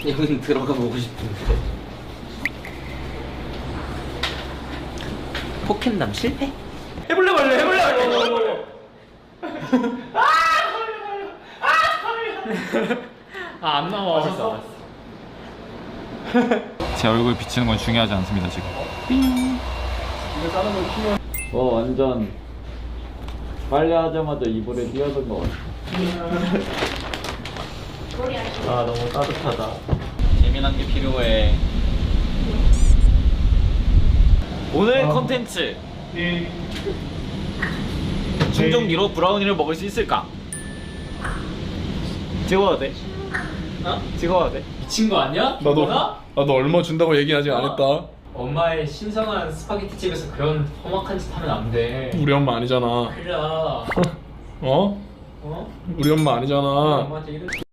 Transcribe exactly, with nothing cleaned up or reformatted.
여긴 들어가 보고 싶은데. 포켓남 실패? 해볼래 말래 해볼래 말래. 아안 나와. 알았어. 제 얼굴 비치는 건 중요하지 않습니다 지금. 이거 다른 거 키워. 어 완전 빨리 하자마자 이불에 뛰어든 것 같아. 아 너무 따뜻하다. 재미난 게 필요해. 오늘 컨텐츠 충전기로 브라우니를 먹을 수 있을까? 찍어야 돼. 어? 찍어야 돼. 미친 거 아니야? 나도 뭐나? 나도 얼마 준다고 얘기 아직 안 했다. 엄마의 신선한 스파게티 집에서 그런 험악한 짓 하면 안 돼. 우리 엄마 아니잖아. 그래. 어? 어? 어? 우리 엄마 아니잖아. 엄마한테 이런.